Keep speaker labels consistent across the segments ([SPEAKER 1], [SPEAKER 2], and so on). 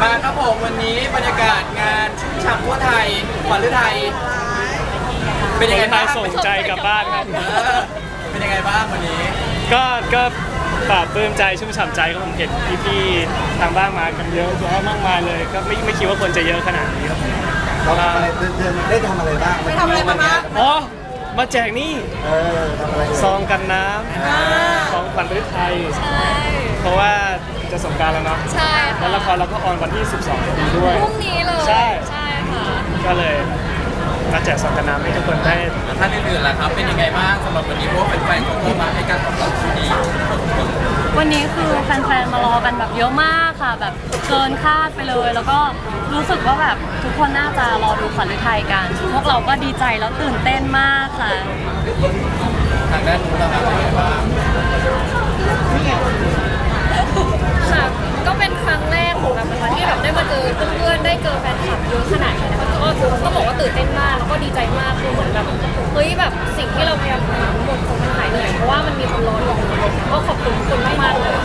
[SPEAKER 1] มาครับผมวันนี้บรรยากาศงานชุ่มฉ่ำทั่วไทยขวัญฤทัยเป็นยังไงบ้าง
[SPEAKER 2] ส่งใจกลับบ้านครับ
[SPEAKER 1] เป็นยังไงบ้างวันนี้
[SPEAKER 2] ก็ปลาบปลื้มใจชุ่มฉ่ำใจก็ผมเห็นพี่ๆทางบ้านมากันเยอะแยะมากมายเลยก็ไม่คิดว่าคนจะเยอะขนาดนี้ครับ
[SPEAKER 3] เราทำอะไรได้ทำอะไรบ้าง
[SPEAKER 4] ไปทำอะไรมาบ้าง
[SPEAKER 2] อ๋อมาแจกนี่
[SPEAKER 3] ทำอะไร
[SPEAKER 2] ซองกันน้ำของขวัญฤทัยเพราะว่าจะสงกรานต์แล้วเนาะ
[SPEAKER 4] ใช่
[SPEAKER 2] แล้วละครเราก็ออนวันที่ 12พอดีด้วย
[SPEAKER 4] พรุ่งนี้เลย
[SPEAKER 2] ใช่
[SPEAKER 4] ค่ะ
[SPEAKER 2] ก็เลยมาแจกซองกันน้ำให้ทุกคนได้
[SPEAKER 1] ท่านอื่นๆล่ะครับเป็นยังไงบ้างสำหรับวันนี้เพราะว่าแฟนๆของเรามาให้การตอบรับที่ดี
[SPEAKER 4] วันนี้คือแฟนๆมารอกันแบบเยอะมากค่ะแบบเกินคาดไปเลยแล้วก็รู้สึกว่าแบบทุกคนน่าจะรอดูขวัญฤทัยกันพวกเราก็ดีใจแล้วตื่นเต้นมากค่ะ
[SPEAKER 1] ทางด้านนู้นเราเป็นยังไงบ้าง
[SPEAKER 4] ค่ะก็เป็นครั้งแรกของแบบนะคะที่แบบได้มาเจอเพื่อนๆได้เจอแฟนคลับเยอะขนาดนี้นะคะก็บอกว่าตื่นเต้นมากแล้วก็ดีใจมากคือเหมือนแบบเฮ้ยแบบสิ่งที่เราพยายามทำทั้งหมดคงมันหายเหนื่อยเพราะว่ามันมีคนรออยู่ก็ขอบคุณทุกคนมากๆเลย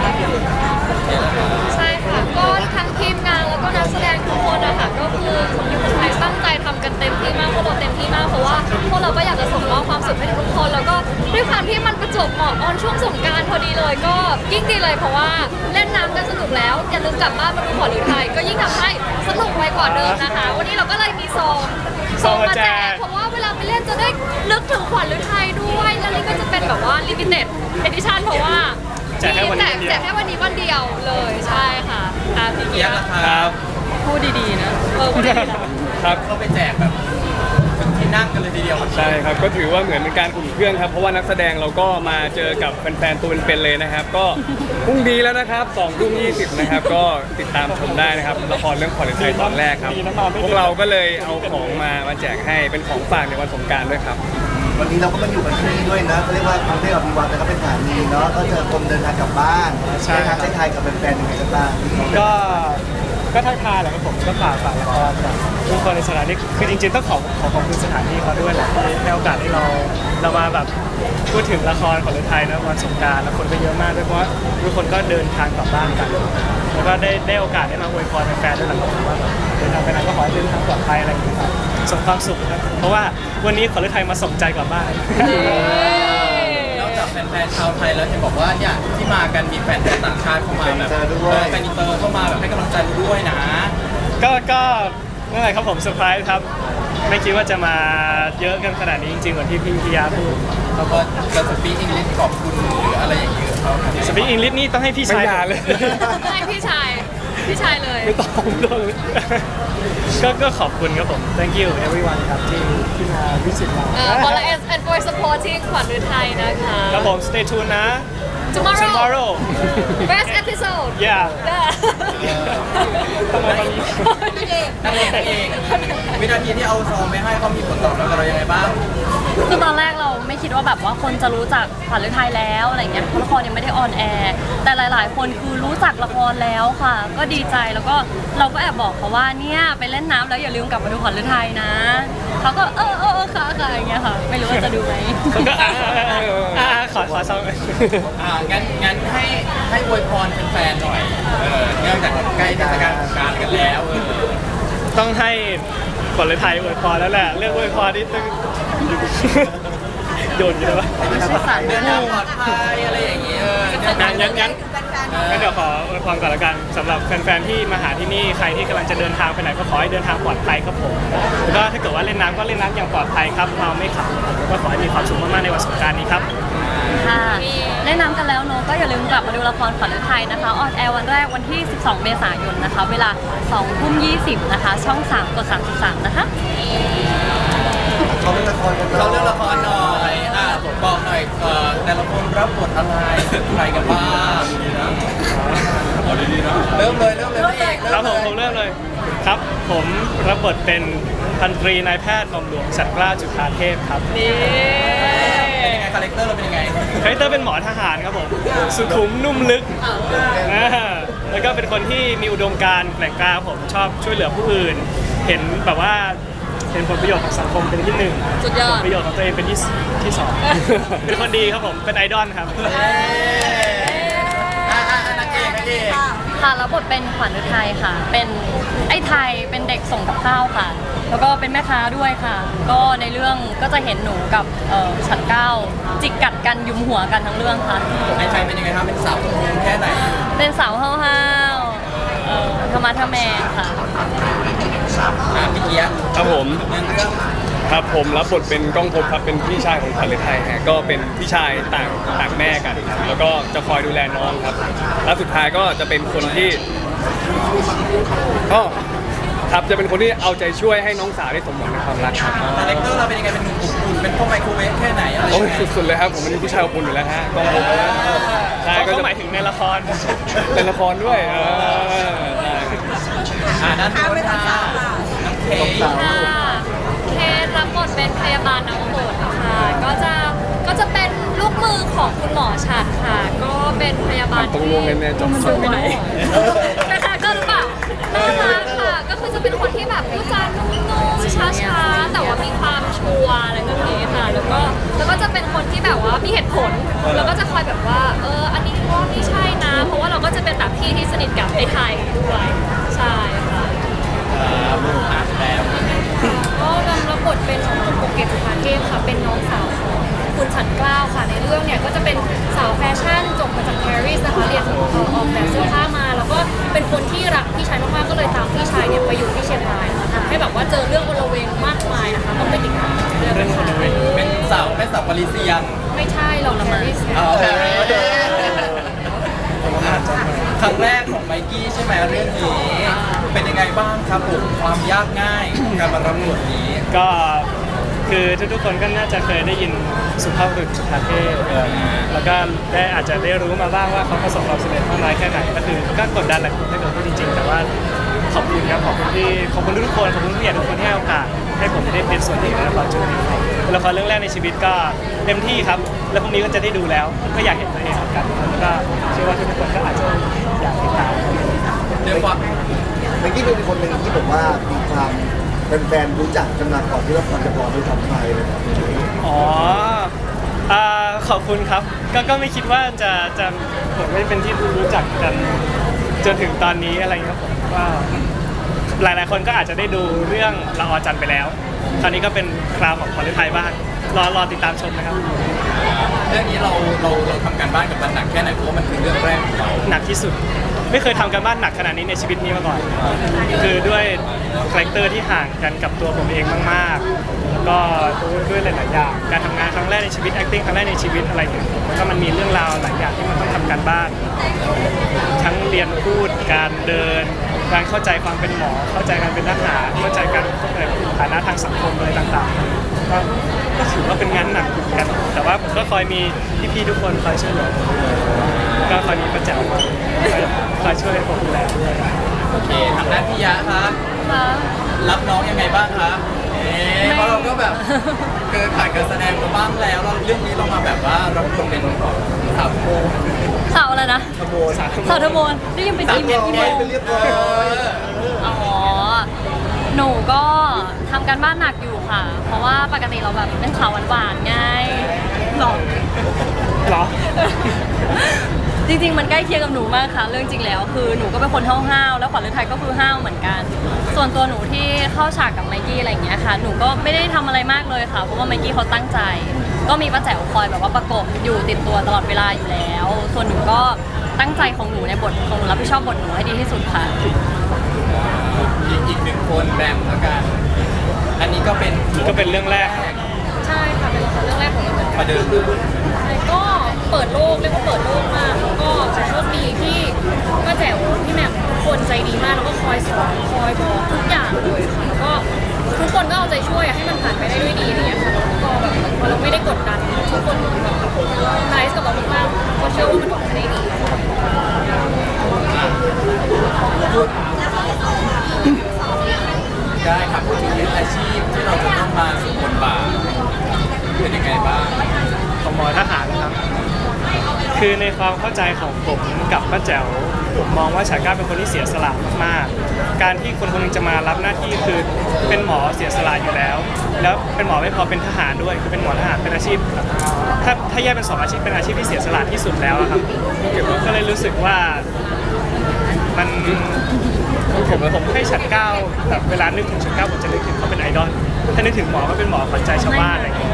[SPEAKER 4] ใช่ค่ะก็ทั้งทีมงานแล้วก็นักแสดงทุกคนนะคะก็คือคนไทยตั้งใจทำกันเต็มที่มากพวกเราเต็มที่มากเพราะว่าพวกเราก็อยากจะส่งมอบความสุขให้ทุกคนแล้วก็ด้วยความที่มันประจวบเหมาะออนช่วงสงกรานต์พอดีเลยก็ยิ่งดีเลยเพราะว่าเล่นน้ำกันสนุกแล้วอย่าลืมกลับบ้านมาดูขวัญฤทัยก็ยิ่งทำให้สนุกไวกว่าเดิมนะคะวันนี้เราก็เลยมีซองมาแจกเพราะว่าเวลาไปเล่นจะได้นึกถึงขวัญฤทัยด้วยแล้วนี่ก็จะเป็นแบบว่า limited edition เพราะว่า
[SPEAKER 2] แจกแค่วัน
[SPEAKER 4] นี้วันเดียวเลยใช่ค่ะ
[SPEAKER 1] พี่เกียร์
[SPEAKER 2] ครับ
[SPEAKER 4] พูดดีๆนะพูดดีๆนะครับ
[SPEAKER 1] เขาไปแจกแบบที่นั่งกันเลยทีเดียว
[SPEAKER 2] ใช่ครับก็ถือว่าเหมือนเป็นการอุ่นเครื่องครับเพราะว่านักแสดงเราก็มาเจอกับแฟนๆตัวเป็นๆเลยนะครับก็พรุ่งนี้แล้วนะครับ20:20นะครับก็ติดตามชมได้นะครับละครเรื่องขวัญฤทัยตอนแรกครับพวกเราก็เลยเอาของมาแจกให้เป็นของฝากในวันสงกรานต์ด้วยครับ
[SPEAKER 3] วันนี้เราก็มาอยู่กันที่นี่ด้วยนะเขาเรียกว่ากรุงเทพอภิวัตน์นะครับเป็นสถานีเนาะก็เจอคนเดินทางกลับบ้านได้ทางได้ไทยกับแฟนๆยังไงกันบ้าง
[SPEAKER 2] ก็ทักทายแหละครับผมก็ฝากละครกับทุกคนในสถานีคือจริงๆต้องขอบคุณสถานีเขาด้วยแหละที่ให้โอกาสให้เรามาแบบพูดถึงละครของฤทัยนะวันสงกรานต์แล้วคนก็เยอะมากด้วยเพราะว่าทุกคนก็เดินทางกลับบ้านกันแล้วก็ได้โอกาสได้มาอวยพรแฟนๆด้วยแหละครับว่าแบบเดินทางไปไหนก็ขอให้เดินทางปลอดภัยอะไรอย่างเงี้ยครับส่งความสุขครับเพราะว่าวันนี้ขวัญฤทัยมาส่งใจกลับบ้าน
[SPEAKER 1] นอกจากแฟนๆชาวไทยแล้วเห็นบอกว่าเนี่ยที่มากันมีแฟนต่างชาติเข้ามาแบบแฟนอินเตอร์เข้ามาแบบให้กำลังใจด้วยนะ
[SPEAKER 2] ก็นั่นแหละครับผมเซอร์ไพรส์ครับไม่คิดว่าจะมาเยอะกันขนาดนี้จริงๆเหมือนที่พี่ยาพูด
[SPEAKER 1] เขาก็จะสปีกอังกฤษขอบคุณหรืออะไรอย่างเงี้ยเขา
[SPEAKER 2] สปีกอังกฤษนี่ต้องให้พี่ชายเลย
[SPEAKER 4] ให้พี่ชายเลย
[SPEAKER 2] ไม่ต้องก็ขอบคุณครับผม thank you everyone ครับที่มาวิสิตเรา
[SPEAKER 4] and for supporting ขวัญฤทัยนะคะ
[SPEAKER 2] ครับผม stay tuned นะ
[SPEAKER 4] tomorrow best episode
[SPEAKER 2] yeah
[SPEAKER 1] นั่นเองวินาทีที่เอาซองไปให้เขามีผลตอบรับกับเรายังไงบ้าง
[SPEAKER 4] คือตอนแรกเราไม่คิดว่าแบบว่าคนจะรู้จักขวัญฤทัยแล้วอะไรเงี้ยเพราะละครยังไม่ได้ออนแอร์แต่หลายๆคนคือรู้จักละครแล้วค่ะก็ดีใจแล้วก็เราก็แอบบอกเขาว่าเนี่ยไปเล่นน้ำแล้วอย่าลืมกลับมาดูขวัญฤทัยนะเขาก็ค่ะอย่างเงี้ยค่ะไม่รู้ว่าจะดูไหม
[SPEAKER 2] ก็ขอซอง
[SPEAKER 1] งั้นให้อวยพรแฟนๆหน่อยเนื่องจากใกล้เทศกาลสงกรานต์กันแล้ว
[SPEAKER 2] ต้องให้ขวัญฤทัยอวยพรแล้วแหละเรื่องอวยพรนี่ต้องโยนอยู่แล้ว
[SPEAKER 1] เดินทางปลอดภัยอะไรอย่างเงี้ย
[SPEAKER 2] งั้นเดี๋ยวขออวยพรก่อนละกันสำหรับแฟนๆที่มาหาที่นี่ใครที่กำลังจะเดินทางไปไหนก็ขอให้เดินทางปลอดภัยครับผมแล้วก็ถ้าเกิดว่าเล่นน้ำก็เล่นน้ำอย่างปลอดภัยครับเมาไม่ขับแล้วก็ขอให้มีความสุขมากๆในวันสงกรานต์นี้ครับ
[SPEAKER 4] ค่ะเล่นน้ำกันแล้วเนอะก็อย่าลืมกลับมาดูละครขวัญฤทัยนะคะออนแอร์วันแรกวันที่12 เมษายนนะคะเวลา 20:20 นะคะช่อง 3 กด 33 นะคะ
[SPEAKER 3] เขาเล่นละครกัน
[SPEAKER 1] เราเรื่องละครหน่อยบอกหน่อยแต่ละคนรับบทอะไรใครกันบ้างดีนะเริ่มเลยเอก
[SPEAKER 2] ครับผมเริ่มเลยครับผมรับบทเป็นพันตรีนายแพทย์หม่อมหลวงฉัตรกล้าจุฑาเทพครับ
[SPEAKER 4] นี่
[SPEAKER 1] คาแรคเตอร์เราเป็นยังไง
[SPEAKER 2] คาแรคเตอร์เป็นหมอทหารครับผมสุขุมนุ่มลึกแล้วก็เป็นคนที่มีอุดมการณ์แกร่งกล้าผมชอบช่วยเหลือผู้อื่นเห็นแบบว่าเห็นผลประโยชน์ของสังคมเป็นที่หนึ่งผลประโยชน์ของตัวเองเป็นที่สองเป็นคนดีครับผมเป็นไอดอลครับ
[SPEAKER 1] นางเอก
[SPEAKER 5] ค่ะรับบทเป็นขวัญฤทัยค่ะ เป็นไอ้ไทยเป็นเด็กส่งกับข้าวค่ะ แล้วก็เป็นแม่ค้าด้วยค่ะ ก็ในเรื่องก็จะเห็นหนูกับฉันเก้าจิกกัดกันยุมหัวกันทั้งเรื่องค่ะ
[SPEAKER 1] ไอ้ใครเป็นยังไงครับเป็นสาวคนนึงแค่ไหน
[SPEAKER 5] เป็นสาวห้าวๆธรรมะทะแมงค่ะ
[SPEAKER 1] พี่เกียร์
[SPEAKER 6] ครับผม
[SPEAKER 1] เรื่อง
[SPEAKER 6] ครับผมรับบทเป็นก้องภพครับเป็นพี่ชายของขวัญฤทัยฮะก็เป็นพี่ชายต่างแม่กันครับแล้วก็จะคอยดูแลน้องครับแล้วสุดท้ายก็จะเป็นคนที่ก็ครับจะเป็นคนที่เอาใจช่วยให้น้องสาวได้สมหวังในความรักครับ
[SPEAKER 1] คาแรคเตอร์เราเป็นยังไงเป็นหนุ่มอบอุ่นเป็นพ่อไมโครเวฟแค่ไหนอะไร
[SPEAKER 6] โอ้
[SPEAKER 1] ยั
[SPEAKER 6] ย
[SPEAKER 1] งไง
[SPEAKER 6] สุดๆเลยครับผมเป็นผู้ชายอบอุ่นอยู่แล้วฮะก้องภพใช่
[SPEAKER 2] เขา
[SPEAKER 6] ก็
[SPEAKER 2] ก็
[SPEAKER 6] จะ
[SPEAKER 2] หมายถึงในละคร
[SPEAKER 6] เป็นละครด้วยใช่
[SPEAKER 1] ด้านโน้นค่ะน้องเค
[SPEAKER 4] ค่ะเคสรับบทเป็นพยาบาลน้ำฝนค่ะก็จะเป็นลูกมือของคุณหมอฉัดค่ะ ก็เป็นพยาบาล
[SPEAKER 6] ต้องร่วงแน่ๆจบ
[SPEAKER 4] สวยนะคะก็หรือเปล่าน่ารักค่ะ ก็คือจะเป็นคนที่แบบพูดจานุ่มๆช้าๆแต่ว่ามีความชัวร์อะไรแบบนี้ค่ะ แล้วก็จะเป็นคนที่แบบว่ามีเหตุผลแล้วก็จะคอยแบบว่าอันนี้ว่าไม่ใช่นะ เพราะว่าเราก็จะเป็นแบบพี่ที่สนิทกับไอ้ไทยด้วยใช่ค่ะ
[SPEAKER 1] แล้ว
[SPEAKER 4] ก็รับบทเป็นคุณโปเกตสุภาเทพค่ะ เป็นน้องสาวของคุณฉันเกล้าค่ะ ในเรื่องเนี่ยก็จะเป็นสาวแฟชั่นจบมาจากปารีสนะคะเรียนออกแบบเสื้อผ้ามาแล้วก็เป็นคนที่รักพี่ชายมากๆก็เลยตามพี่ชายเนี่ยไปอยู่ที่เชียงรายนะคะทำให้แบบว่าเจอเรื่องโอลเวงมากมายนะคะต้องไปติดตามเรื่องนะคะ
[SPEAKER 1] เป็นสาวปารีเซียน
[SPEAKER 4] ไม่ใช่เราปารีส
[SPEAKER 1] อ๋อครั้งแรกของไมกี้ใช่ไหมเรื่องนี้เป็นยังไงบ้างครับผมความยากง่ายของการมารับบทนี้
[SPEAKER 2] ก็คือทุกๆคนก็น่าจะเคยได้ยินสุภาพบุรุษสุภาเทพแล้วก็ได้อาจจะได้รู้มาบ้างว่าเขาประสบความสำเร็จมากน้อยแค่ไหนก็คือก็กดดันแหละถ้าเกิดพูดจริงๆแต่ว่าขอบคุณครับขอบคุณทุกคนขอบคุณผู้ใหญ่ทุกคนที่ให้โอกาสให้ผมได้เป็นส่วนหนึ่งในละครจุดนี้เป็นละครเรื่องแรกในชีวิตก็เต็มที่ครับแล้วพรุ่งนี้ก็จะได้ดูแล้วก็อยากเห็นตัวเองเหมือนกันแล้วก็เชื่อว่าทุกคนก็อาจจะอยากติดตาม
[SPEAKER 1] เรียกว่า
[SPEAKER 3] เมื่อกี้เป็นคนหนึ่งที่บอกว่ามีความแฟนๆรู้จักกันมาก่อนที่ละครจะพอด้วยทำไทยเลยครับ
[SPEAKER 2] อ๋อขอบคุณครับก็ไม่คิดว่าจะผมไม่เป็นที่รู้จักกันจนถึงตอนนี้อะไรเงี้ยผมว่าหลายๆคนก็อาจจะได้ดูเรื่องละออจันทร์ไปแล้วคราวนี้ก็เป็นคราวของขวัญฤทัยบ้างรอติดตามชมนะครับ
[SPEAKER 1] เรื่องนี้เราทำการบ้านกับมันหนักแค่ไหนเพราะว่ามันคือเรื่องแรกของเรา
[SPEAKER 2] หนักที่สุดไม่เคยทำการบ้านหนักขนาดนี้ในชีวิตนี้มาก่อน คือด้วยคาแรคเตอร์ที่ห่างกันกับตัวผมเองมากๆแล้วก็ด้วยหลายๆอย่างการทำงานครั้งแรกในชีวิต acting ครั้งแรกในชีวิตอะไรอย่างเงี้ยแล้วก็มันมีเรื่องราวหลายอย่างที่มันต้องทำการบ้าน ทั้งเรียนพูดการเดิน การเข้าใจความเป็นหมอ เข้าใจการเป็นทหารเข้าใจการฐานะทางสังคมอะไรต่างๆก็ถือว่าเป็นงานหนักเหมือนกัน แต่ว่าผมก็คอยมีพี่ๆทุกคนคอยช่วยเหลือก็คอยมีประจักษ์คอยช่วยผมดูแลด้วย
[SPEAKER 1] โอเคทางด้านพี่ยะครับ
[SPEAKER 5] ค่ะ
[SPEAKER 1] รับน้องยังไงบ้างคะเพราะเราก็แบบเคยผ่านการแสดงมาบ้างแล้วเราเรื่องนี้เรามาแบบว่ารับบทเป็นสาวโม
[SPEAKER 5] สาวอะไรนะ
[SPEAKER 3] ขโมย
[SPEAKER 5] สาวเทอร์โมนได้ยินเป็นอีเมล
[SPEAKER 3] เป็นเรียบร้อย
[SPEAKER 5] อ๋อ หนูก็ทำการบ้านหนักอยู่ค่ะ เพราะว่าปกติเราแบบเป็นสาวหวานๆไงหรอ
[SPEAKER 2] เหรอ
[SPEAKER 5] จริงๆ มันใกล้เคียงกับหนูมากค่ะ เรื่องจริงแล้วคือหนูก็เป็นคนห้าวๆ แล้วขวัญฤทัยก็คือห้าวเหมือนกัน ส่วนตัวหนูที่เข้าฉากกับไมกี้อะไรอย่างเงี้ยค่ะ หนูก็ไม่ได้ทำอะไรมากเลยค่ะ เพราะว่าไมกี้เขาตั้งใจ ก็มีป้าแจ๋วคอยแบบว่าประกบอยู่ติดตัวตลอดเวลาอยู่แล้ว ส่วนหนูก็ตั้งใจของหนูในบทของหนูรับผิดชอบบทหนูให้ดีที่สุดค่ะ
[SPEAKER 1] อีกหนึ่งคนแบมแล้วกัน อันนี้ก็เป็น
[SPEAKER 2] ก็เป็นเรื่องแรก
[SPEAKER 4] ใช่ค่ะเป็นละครเรื่องแรกของเราเหมือนกัน
[SPEAKER 1] ประเดิม
[SPEAKER 4] ก็เปิดโลกเรียกว่าเปิดโลกมากแล้วก็โชคดีที่ป้าแจ๋วพี่แหม่มทุกคนใจดีมากแล้วก็คอยสอนคอยบอกทุกอย่างเลยค่ะแล้วก็ทุกคนก็เอาใจช่วยให้มันผ่านไปได้ด้วยดีอะไรอย่างเงี้ยค่ะแล้วก็แบบพอเราไม่ได้กดดันทุกคนแบบไนส์กับเรามากๆก็เชื่อว่ามันออกมาได้ดี
[SPEAKER 1] ได้ครับพูดถึงอาชีพที่เราจะต้องมาสู่บทบาทเป็นยังไงบ้าง
[SPEAKER 2] ของหมอทหารนะครับ คือในความเข้าใจของผมกับป้าแจ๋วผมมองว่าฉากก้าเป็นคนที่เสียสละมากๆ การที่คนคนหนึงจะมารับหน้าที่คือเป็นหมอเสียสละอยู่แล้ว แล้วเป็นหมอไม่พอเป็นทหารด้วยคือเป็นหมอทหารเป็นอาชีพถ้าแยกเป็นสองอาชีพเป็นอาชีพที่เสียสละที่สุดแล้วอะครับก็เลยรู้สึกว่าผมให้ฉันเก้าแบบเวลานึกถึงฉันเก้าผมจะนึกถึงเขาเป็นไอดอลถ้านึกถึงหมอก็เป็นหมอขวัญใจชาวบ้านอะไรอย่างเงี้ย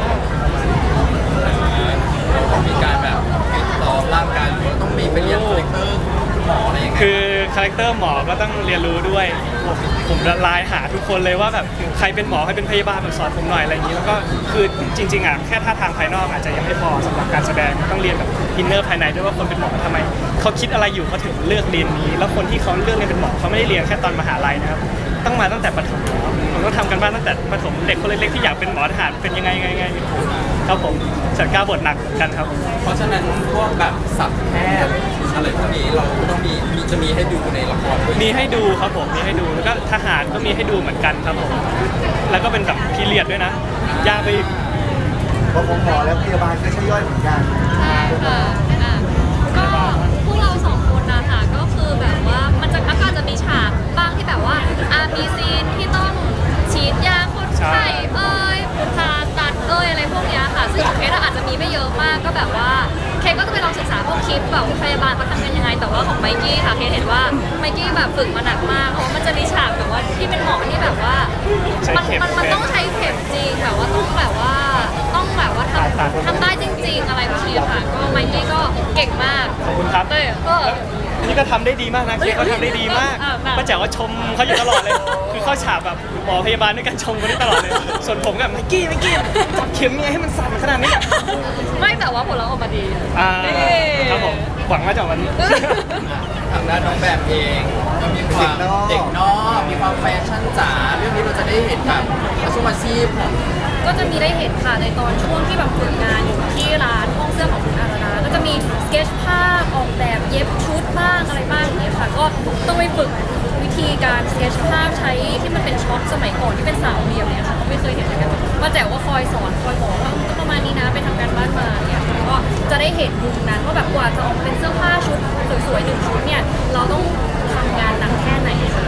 [SPEAKER 1] มีการแบบฟิตซ้อมร่างกายหรือว่าต้องมีไปเรียนคาแรคเตอร์คุณหมออะไรอย่างเงี้ย
[SPEAKER 2] คือคาแรคเตอร์หมอก็ต้องเรียนรู้ด้วยผมละลายหาทุกคนเลยว่าแบบใครเป็นหมอใครเป็นพยาบาลแบบสอนผมหน่อยอะไรอย่างนี้แล้วก็คือจริงๆอ่ะแค่ท่าทางภายนอกอาจจะยังไม่พอสำหรับการแสดงต้องเรียนแบบอินเนอร์ภายในด้วยว่าคนเป็นหมอทำไมเขาคิดอะไรอยู่เขาถึงเลือกเรียนนี้ แล้วคนที่เขาเลือกเรียนเป็นหมอเขาไม่ได้เรียนแค่ตอนมหาลัยนะครับต้องมาตั้งแต่ประถมผมต้องทำกันบ้านตั้งแต่ประถมเด็กคนเล็กๆที่อยากเป็นหมอทหารเป็นยังไงครับผมจัดการบทหนักกันครับ
[SPEAKER 1] เพราะฉะนั้นพวกแบบสับแพทย์อะไรพวกนี้เราก็ต้องจะมีให้ดูในละครด้วย
[SPEAKER 2] มีให้ดูครับผมมีให้ดูแล้วก็ทหารก็มีให้ดูเหมือนกันครับผมแล้วก็เป็นแบบพีเรียดด้วยนะยากไปอีก
[SPEAKER 3] เพราะผมหมอแล้วพยาบาลก็ใช่ย่อยเหมือนกัน
[SPEAKER 4] ใช่ค่ะก็พวกเราสองคนนะคะก็คือแบบว่ามันจะอาจจะมีฉากบ้างที่แบบว่ามีซีนที่ต้องฉีดยาคนไข้ผ่าตัดอะไรพวกเนี้ยค่ะซึ่งของเคสอาจจะมีไม่เยอะมากก็แบบว่าเคสก็จะไปลองศึกษาพวกคลิปแบบพยาบาลเขาทำกันยังไงแต่ว่าของไมกี้ค่ะเคสเห็นว่าไมกี้แบบฝึกมาหนักมากเพราะมันจะมีฉากแบบว่าที่เป็นหมอที่แบบว่ามันต้องใช้เข็มจริงแบบว่าต้องแบบว่าทำได้จริง ๆ อะไรพวกนี้ค่ะก็ไมกี้ก็เก่งมาก
[SPEAKER 2] ขอบคุณครับ
[SPEAKER 4] ก็
[SPEAKER 2] นี่ก็ทำได้ดีมากนะเคเขาทำได้ดีมากป้าแจ๋วก็ชมเขาอยู่ตลอดเลย คือเข้าฉากแบบหมอพยาบาลด้วยกันชมกันได้ตลอดเลย ส่วนผมกับไมกี้จับเข็มยังไงให้มันสั่นขนาดนี้
[SPEAKER 4] ไม่แต่ว่าผลลัพธ์ออกมาดี
[SPEAKER 2] ครับผมหวังว่าจะวันนี้
[SPEAKER 1] ทางด้านน้องแบบเองก็มีความเด็กนอกมีความแฟชั่นจ๋าเรื่องนี้เราจะได้เห็นแบบอาชีพของ
[SPEAKER 4] ก็จะมีได้เห็นค่ะในตอนช่วงที่แบบฝึกงานอยู่ที่ร้านห้องเสื้อของคุณอาราดาก็จะมีสเก็ตภาพออกแบบเย็บชุดบ้างอะไรบ้างอย่างเงี้ยค่ะก็ต้องไปฝึกวิธีการสเก็ตภาพใช้ที่มันเป็นช็อคสมัยก่อนที่เป็นสามเหลี่ยมเนี่ยค่ะก็ไม่เคยเห็นเหมือนกันว่าแต่ว่าคอยสอนคอยบอกว่าก็ประมาณนี้นะไปทำการบ้านมาเนี่ยก็จะได้เห็นมุมนั้นว่าแบบกว่าจะออกเป็นเสื้อผ้าชุดสวยๆหนึ่งชุดเนี่ยเราต้องทำงานหนักแค่ไหนค่ะ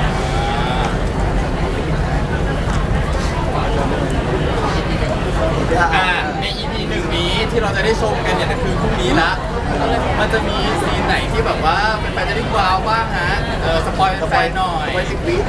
[SPEAKER 1] ใน EP หนึ่งนี้ที่เราจะได้ชมกันเนี่ยคือพรุ่งนี้ละมันจะมีซีนไหนที่แบบว่าเป็นแฟนจะได้ว้าวบ้างฮะสปอยแฟนหน่อย
[SPEAKER 3] ไป10 วิ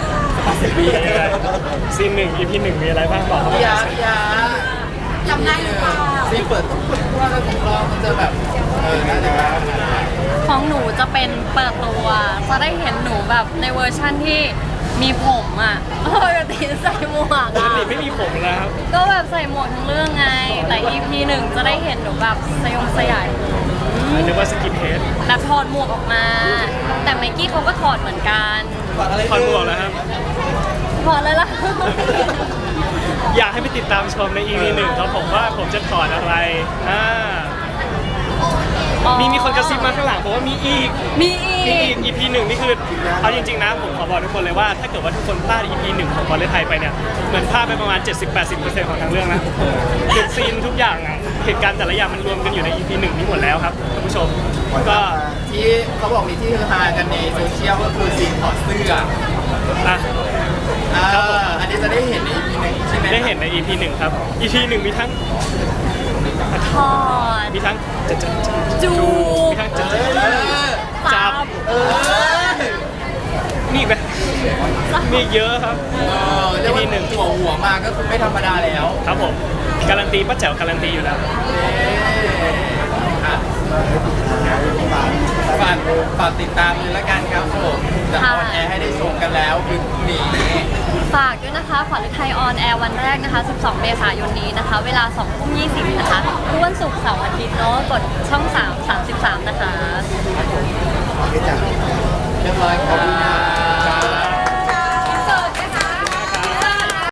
[SPEAKER 2] ซีน1 EP 1มีอะไรบ้างบอกเขา
[SPEAKER 1] พี่
[SPEAKER 2] ไป
[SPEAKER 1] ยาจำได้หรือเปล่าซีนเปิดต้องเปิดว่าแล้วของเรามันจะแบบน่าจะแบบ
[SPEAKER 5] ของหนูจะเป็นเปิดตัวจะได้เห็นหนูแบบในเวอร์ชั่นที่มีผมอ่ะปกติใส่หมวก
[SPEAKER 2] ปก
[SPEAKER 5] อ่ะ
[SPEAKER 2] ติไม่มีผมนะครับ
[SPEAKER 5] ก็แบบใส่หมวกทั้งเรื่องไง แต่ EP 1จะได้เห็นหนูแบบสยาย
[SPEAKER 2] หรือว่าสกินเฮด
[SPEAKER 5] แบบถอดหมวกออกมา แต่ไมกี้เขาก็ถอดเหมือนกัน
[SPEAKER 2] ถอดหมวกแล้วครับ
[SPEAKER 5] ถอดเลยล่ะ
[SPEAKER 2] อยากให้ไปติดตามชมใน EP 1ครับผมว่าผมจะถอดอะไรมีคนกระซิบมาข้างหลังผมว่ามีอีก
[SPEAKER 5] มีอีก
[SPEAKER 2] EP 1นี่คือเอาจริงๆนะผมขอบอกทุกคนเลยว่าถ้าเกิดว่าทุกคนพลาด EP 1ของบอลเลย์ไทยไปเนี่ยเหมือนพลาดไปประมาณ 70-80% ของทั้งเรื่องนะคือซีนทุกอย่างอะเหตุการณ์แต่ละอย่างมันรวมกันอยู่ใน EP 1นี้หมดแล้วครับท่านผู้ชมก็
[SPEAKER 1] ที่เขาบอกมีที่ฮือฮากันในโซเชียลก็คือซีนถอดเสื้อ
[SPEAKER 2] อ่ะ ครับผม
[SPEAKER 1] อันนี้จะได้เห็นใน EP หนึ่งใช่ไหม
[SPEAKER 2] ได้เห็นใน EP 1ครับ EP 1มีทั้ง
[SPEAKER 5] ถอด
[SPEAKER 2] มีทั้งจะ
[SPEAKER 5] จู
[SPEAKER 2] มีทั้งจะ
[SPEAKER 5] จับ
[SPEAKER 2] มีอีกไหมมีอีกเยอะครับ
[SPEAKER 1] เรียกว่าหัวมาก็คือไม่ธรรมดาแล้ว
[SPEAKER 2] ครับผมการันตีป้าแจ๋วการันตีอยู่แล้ว
[SPEAKER 1] ฝากติดตามเลยละกันครับผมจะออนแอร์ให้ได้ชมกันแล้วคือพรุ่งนี้
[SPEAKER 5] ฝากด้วยนะคะขวัญฤทัยออนแอร์วันแรกนะคะ 12 เมษายนนี้นะคะ เวลา 2:20 นะคะทุกวันศุกร์เสาร์อาทิตย์เนาะกดช่อง 3 33 นะคะ